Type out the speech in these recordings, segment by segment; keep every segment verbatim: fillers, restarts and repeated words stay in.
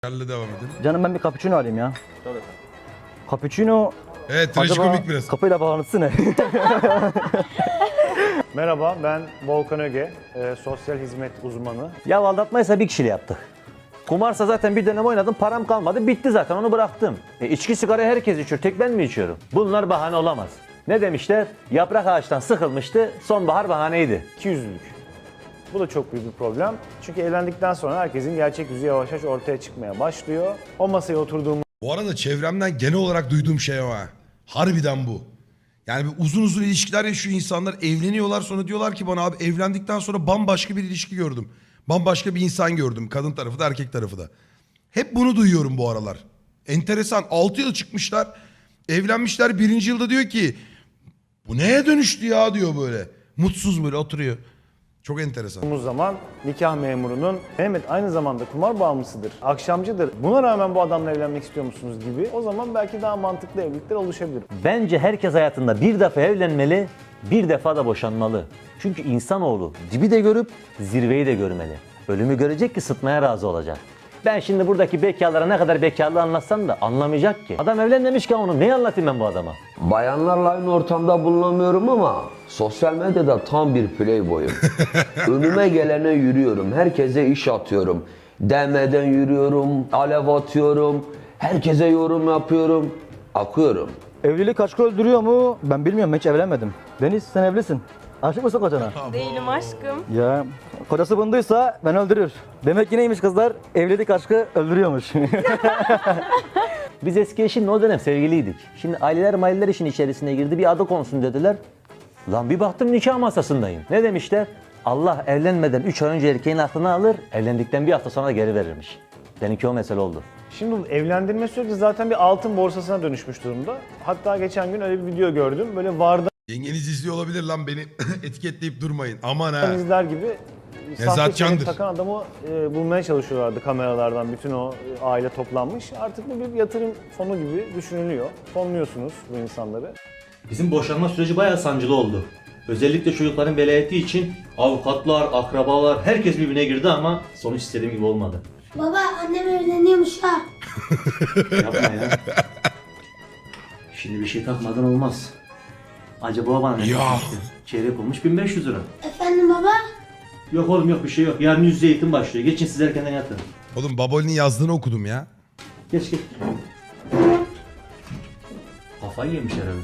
Yerle devam edelim. Canım ben bir cappuccino alayım ya. Tabii. Cappuccino Evet, trajikomik biraz. kapıyla bağlantısı ne? Merhaba, ben Volkan Öge, e, sosyal hizmet uzmanı. Ya aldatmaysa bir kişiyle yaptık. Kumarsa zaten bir dönem oynadım, param kalmadı, bitti zaten, onu bıraktım. E, içki sigara herkes içiyor, tek ben mi içiyorum? Bunlar bahane olamaz. Ne demişler? Yaprak ağaçtan sıkılmıştı, sonbahar bahaneydi. İkiyüzlülük. Bu da çok büyük bir problem. Çünkü evlendikten sonra herkesin gerçek yüzü yavaş yavaş ortaya çıkmaya başlıyor. O masaya oturduğumuz Bu arada çevremden genel olarak duyduğum şey o ha. Harbiden bu. Yani bir uzun uzun ilişkiler yaşıyor insanlar, evleniyorlar, sonra diyorlar ki bana abi evlendikten sonra bambaşka bir ilişki gördüm. Bambaşka bir insan gördüm. Kadın tarafı da erkek tarafı da. Hep bunu duyuyorum bu aralar. Enteresan. altı yıl çıkmışlar. Evlenmişler. Birinci yılda diyor ki bu neye dönüştü ya diyor böyle. Mutsuz böyle oturuyor. Çok enteresan. zaman nikah memurunun Mehmet aynı zamanda kumar bağımlısıdır, akşamcıdır. Buna rağmen bu adamla evlenmek istiyor musunuz gibi. O zaman belki daha mantıklı evlilikler oluşabilir. Bence herkes hayatında bir defa evlenmeli, bir defa da boşanmalı. Çünkü insanoğlu dibi de görüp zirveyi de görmeli. Ölümü görecek ki sıtmaya razı olacak. Ben şimdi buradaki bekarlara ne kadar bekarlığı anlatsam da anlamayacak ki. Adam evlenmemişken onu neyi anlatayım ben bu adama? Bayanlarla aynı ortamda bulunamıyorum ama sosyal medyada tam bir playboyum. Önüme gelene yürüyorum, herkese iş atıyorum. D M'den yürüyorum, alev atıyorum, herkese yorum yapıyorum, akıyorum. Evlilik aşkı öldürüyor mu? Ben bilmiyorum, hiç evlenmedim. Deniz, sen evlisin. Aşık mısın kocana? Değilim aşkım. Ya kocası bunduysa ben öldürür. Demek ki neymiş kızlar? Evlilik aşkı öldürüyormuş. Biz eski eşimle o dönem sevgiliydik. Şimdi aileler maileler işin içerisine girdi, bir adı konsun dediler. Lan bir baktım nikah masasındayım. Ne demişler? Allah evlenmeden üç ay önce erkeğin aklını alır, evlendikten bir hafta sonra geri verirmiş. Seninki o mesele oldu. Şimdi bu evlendirme süreci zaten bir altın borsasına dönüşmüş durumda. Hatta geçen gün öyle bir video gördüm. Böyle vardan Yengeniz izliyor olabilir lan, beni etiketleyip durmayın. Aman ha. izler gibi Nezat sahte Candır. çelenk takan adamı e, bulmaya çalışıyorlardı kameralardan. Bütün o e, aile toplanmış. Artık bu bir yatırım fonu gibi düşünülüyor. Fonluyorsunuz bu insanları. Bizim boşanma süreci bayağı sancılı oldu. Özellikle çocukların velayeti için avukatlar, akrabalar, herkes birbirine girdi ama sonuç istediğim gibi olmadı. Baba annem evleniyormuş ha. Yapma ya. Şimdi bir şey takmadan olmaz. Acaba bana ne Ya. takmıştı? Çeyrek olmuş bin beş yüz lira. Efendim baba? Yok oğlum yok bir şey yok. Yarın yüz yüze eğitim başlıyor. Geçin siz erkenden yatın. Oğlum Baboli'nin yazdığını okudum ya. Geç geç. Kafayı yemiş herhalde.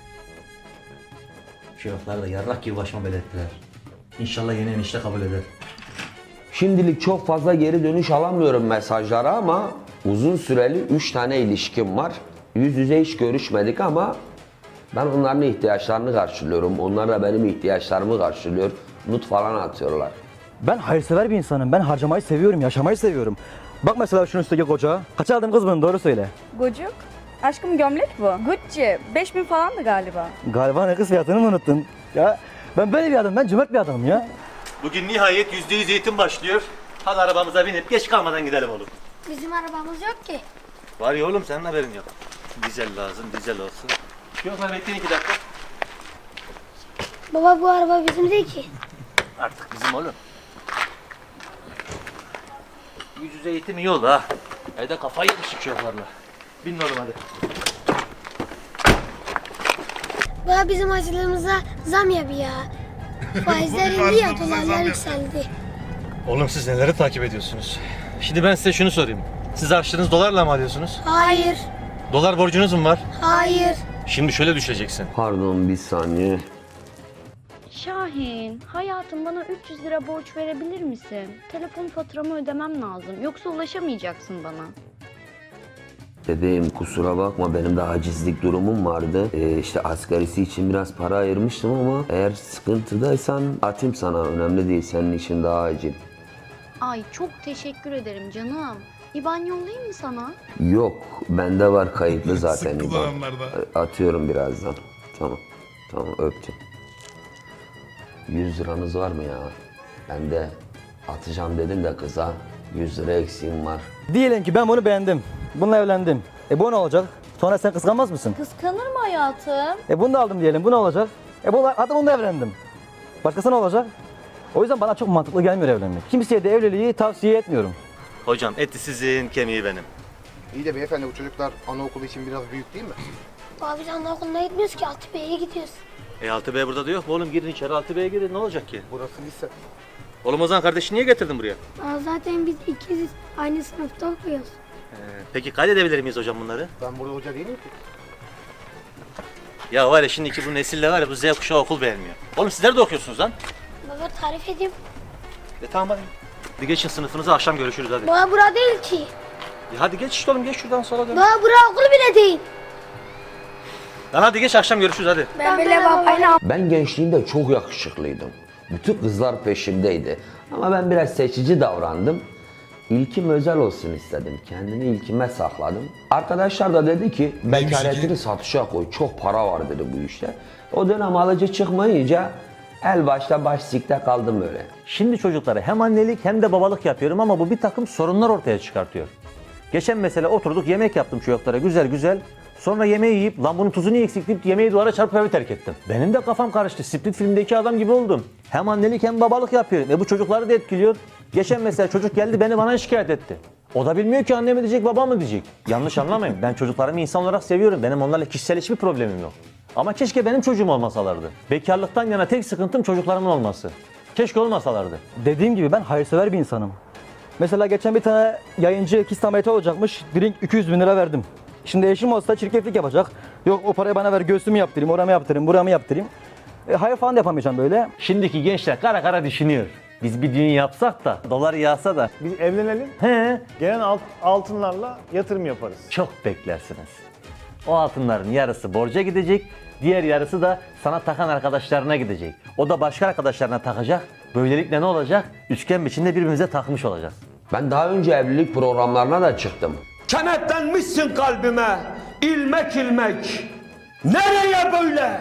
Şerefler de yarrak gibi başıma belirttiler. İnşallah yeni enişte kabul eder. Şimdilik çok fazla geri dönüş alamıyorum mesajlara ama uzun süreli üç tane ilişkim var. Yüz yüze hiç görüşmedik ama ben onların ihtiyaçlarını karşılıyorum. Onlar da benim ihtiyaçlarımı karşılıyor. Nut falan atıyorlar. Ben hayırsever bir insanım. Ben harcamayı seviyorum, yaşamayı seviyorum. Bak mesela şunun üstteki koca. Kaça aldın kız bunu, doğru söyle. Gocuk. Aşkım gömlek bu. Gucci. beş bin falandı galiba. Galiba ne kız fiyatını mı unuttun? Ya ben böyle bir adamım, ben cömert bir adamım ya. Bugün nihayet yüzde yüz eğitim başlıyor. Hadi arabamıza binip geç kalmadan gidelim oğlum. Bizim arabamız yok ki. Var ya oğlum senin haberin yok. Dizel lazım, dizel olsun. Yok lan bekleyin iki dakika. Baba bu araba bizim değil ki. Artık bizim oğlum. Yüz yüze eğitim iyi oldu ha. Evde kafayı yemişik çocuklarla. Bin oğlum hadi. Baba bizim harcılığımıza zam yap ya. Faizler indi ya, dolarlar yükseldi. Oğlum siz neleri takip ediyorsunuz? Şimdi ben size şunu sorayım. Siz harçlığınızı dolarla mı alıyorsunuz? Hayır, Dolar borcunuz mu var? hayır. Şimdi şöyle düşeceksin. Pardon bir saniye. Şahin, hayatım bana üç yüz lira borç verebilir misin? Telefon faturamı ödemem lazım. Yoksa ulaşamayacaksın bana. Bebeğim kusura bakma, benim de hacizlik durumum vardı. Ee, işte asgarisi için biraz para ayırmıştım ama eğer sıkıntıdaysan atayım sana, önemli değil, senin için daha acil. Ay çok teşekkür ederim canım. İban yollayayım mı sana? Yok, bende var kayıtlı zaten. Sık İban. kullananlarda. Atıyorum birazdan. Tamam, tamam öptüm. yüz liranız var mı ya? Ben de atacağım dedim de kıza, yüz lira eksiğim var. Diyelim ki ben bunu beğendim. Bununla evlendim. E bu ne olacak? Sonra sen kıskanmaz mısın? Kıskanır mı hayatım? E bunu da aldım diyelim. Bu ne olacak? E bu hadi bununla evlendim. Başkası ne olacak? O yüzden bana çok mantıklı gelmiyor evlenmek. Kimseye de evliliği tavsiye etmiyorum. Hocam eti sizin, kemiği benim. İyi de beyefendi bu çocuklar anaokulu için biraz büyük değil mi? Baba biz anaokuluna gitmiyoruz ki altı B'ye gidiyoruz. E altı B burada da yok mu oğlum? Girin içeri altı B'ye girin, ne olacak ki? Burası lise. Oğlum o zaman kardeşini niye getirdin buraya? Aa, zaten biz ikiziz. Aynı sınıfta okuyoruz. Ee, peki kaydedebilir miyiz hocam bunları? Ben burada hoca değilim ki. Ya var ya şimdiki bu nesille var ya bu Z kuşağı okul beğenmiyor. Oğlum sizler de okuyorsunuz lan. Baba tarif edeyim. E tamam hadi. Hadi geçin sınıfınıza, akşam görüşürüz hadi. Baba bura değil ki. Ya hadi geç işte oğlum, geç şuradan sola dön. Baba bura okul bile değil. Lan hadi geç, akşam görüşürüz hadi. Ben böyle babayla Ben gençliğimde çok yakışıklıydım. Bütün kızlar peşimdeydi. Ama ben biraz seçici davrandım. İlkim özel olsun istedim. Kendimi ilkime sakladım. Arkadaşlar da dedi ki bekaretini satışa koy. Çok para var dedi bu işte. O dönem alıcı çıkmayınca el başta baş sikte kaldım öyle. Şimdi çocuklara hem annelik hem de babalık yapıyorum ama bu bir takım sorunlar ortaya çıkartıyor. Geçen mesela oturduk yemek yaptım çocuklara güzel güzel. Sonra yemeği yiyip lan bunun tuzu niye eksik deyip yemeği duvara çarpıp evi terk ettim. Benim de kafam karıştı. Split filmdeki adam gibi oldum. Hem annelik hem babalık yapıyorum. E bu çocukları da etkiliyor. Geçen mesela çocuk geldi beni bana şikayet etti. O da bilmiyor ki anne mi diyecek baba mı diyecek. Yanlış anlamayın. Ben çocuklarımı insan olarak seviyorum. Benim onlarla kişisel hiçbir problemim yok. Ama keşke benim çocuğum olmasalardı. Bekarlıktan yana tek sıkıntım çocuklarımın olması. Keşke olmasalardı. Dediğim gibi ben hayırsever bir insanım. Mesela geçen bir tane yayıncı kist ameliyatı olacakmış. Drink iki yüz bin lira verdim. Şimdi eşim olsa çirkeflik yapacak. Yok o parayı bana ver göğsümü yaptırayım, oramı yaptırayım, buramı yaptırayım. E, hayır falan da yapamayacağım böyle. Şimdiki gençler kara kara düşünüyor. Biz bir düğün yapsak da, dolar yağsa da. Biz evlenelim, He, gelen alt- altınlarla yatırım yaparız. çok beklersiniz. O altınların yarısı borca gidecek, diğer yarısı da sana takan arkadaşlarına gidecek. O da başka arkadaşlarına takacak. Böylelikle ne olacak? Üçgen biçimde birbirimize takmış olacağız. Ben daha önce evlilik programlarına da çıktım. Kenetlenmişsin kalbime, ilmek ilmek. Nereye böyle?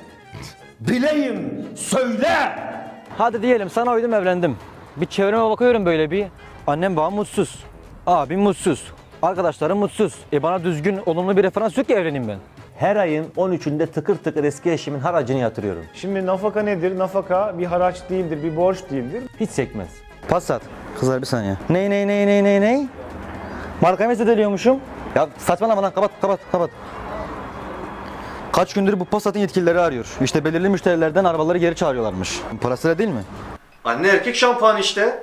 Bileyim, söyle. Hadi diyelim sana uydum evlendim. Bir çevreme bakıyorum böyle bir. Annem babam mutsuz. Abim mutsuz. Arkadaşlarım mutsuz. E bana düzgün, olumlu bir referans yok ki evleneyim ben. Her ayın on üçünde tıkır tıkır eski eşimin haracını yatırıyorum. Şimdi nafaka nedir? Nafaka bir haraç değildir, bir borç değildir. Hiç sekmez. Passat. Kızlar bir saniye. Ney ney ney ney ney ney? Markamı zedeliyormuşum. Ya saçmalama lan kapat kapat kapat. Kaç gündür bu Passat'ın yetkilileri arıyor. İşte belirli müşterilerden arabaları geri çağırıyorlarmış. Parasıyla değil mi? Anne erkek şampuanı işte.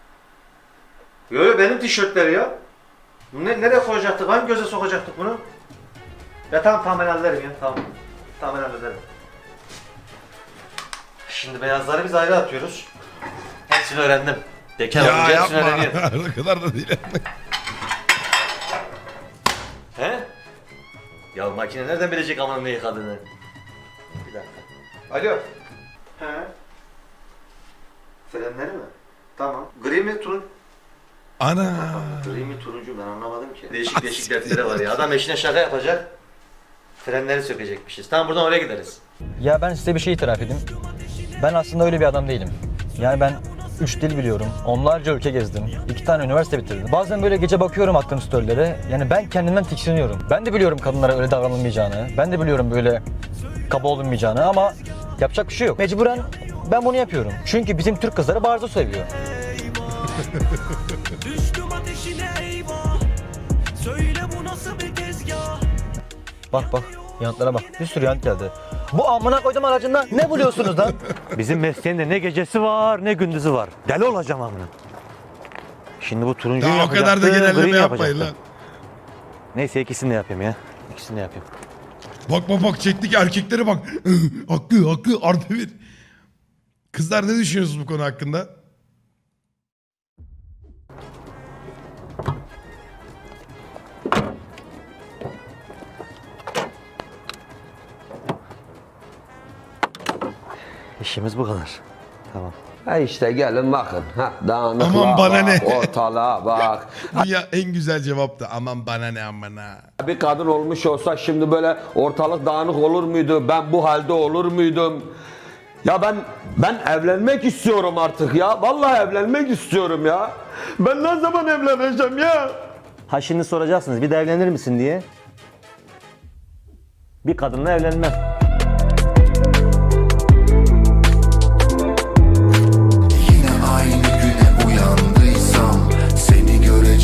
Böyle benim tişörtleri ya. Bunu ne, nereye koyacaktık? Hangi göze sokacaktık bunu? Ya tamam tamam ben hallederim ya tamam. Tamam ben hallederim. Şimdi beyazları biz ayrı atıyoruz. Hepsini öğrendim. Bekar Ya olunca hepsini yapma. öğreniyorum. O kadar da değil. He? Ya makine nereden bilecek amanın ne yıkadığını? Bir dakika. Alo. He? Frenleri mi? Tamam. Gri mi turun? Ana. Gri mi turuncu ben anlamadım ki. Değişik değişik dertleri var ya. Adam eşine şaka yapacak. Frenleri sökecekmişiz. Tamam buradan oraya gideriz. Ya ben size bir şey itiraf edeyim. Ben aslında öyle bir adam değilim. Yani ben üç dil biliyorum, onlarca ülke gezdim, iki tane üniversite bitirdim. Bazen böyle gece bakıyorum attığım storylere, yani ben kendimden tiksiniyorum. Ben de biliyorum kadınlara öyle davranılmayacağını, ben de biliyorum böyle kaba olunmayacağını ama yapacak bir şey yok. Mecburen ben bunu yapıyorum. Çünkü bizim Türk kızları barzo seviyor. Bak bak, yanıtlara bak. Bir sürü yanıt geldi. Bu amına koydum aracından ne buluyorsunuz lan? Bizim mesleğinde ne gecesi var ne gündüzü var. Deli olacağım amına. Şimdi bu turuncuyu Ya o yapacaktım, kadar da genelleme griyi yapmayın yapacaktım. lan. Neyse ikisini de yapayım ya. İkisini de yapayım. Bak bak bak çektik erkeklere bak. Hakkı hakkı artı bir. Kızlar ne düşünüyorsunuz bu konu hakkında? İşimiz bu kadar. Tamam. Ha işte gelin bakın. Ha, dağınıklığa Aman bana bak, ne? ortalığa bak. Dünya en güzel cevaptı. Aman bana ne aman ha. Bir kadın olmuş olsa şimdi böyle ortalık dağınık olur muydu? Ben bu halde olur muydum? Ya ben ben evlenmek istiyorum artık ya. Vallahi evlenmek istiyorum ya. Ben ne zaman evleneceğim ya? Ha şimdi soracaksınız bir de evlenir misin diye. Bir kadınla evlenmem. Yine aynı güne uyandıysam seni göre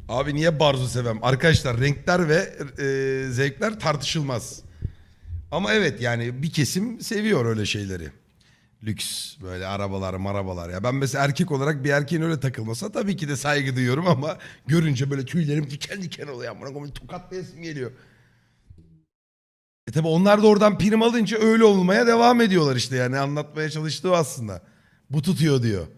Abi niye barzo sevem? Arkadaşlar renkler ve e, zevkler tartışılmaz. Ama evet yani bir kesim seviyor öyle şeyleri. Lüks böyle arabalar marabalar ya. Ben mesela erkek olarak bir erkeğin öyle takılmasa tabii ki de saygı duyuyorum ama görünce böyle tüylerim diken diken oluyor. Bana böyle tokatlayasım geliyor. E tabi onlar da oradan prim alınca öyle olmaya devam ediyorlar işte yani anlatmaya çalıştığı aslında. Bu tutuyor diyor.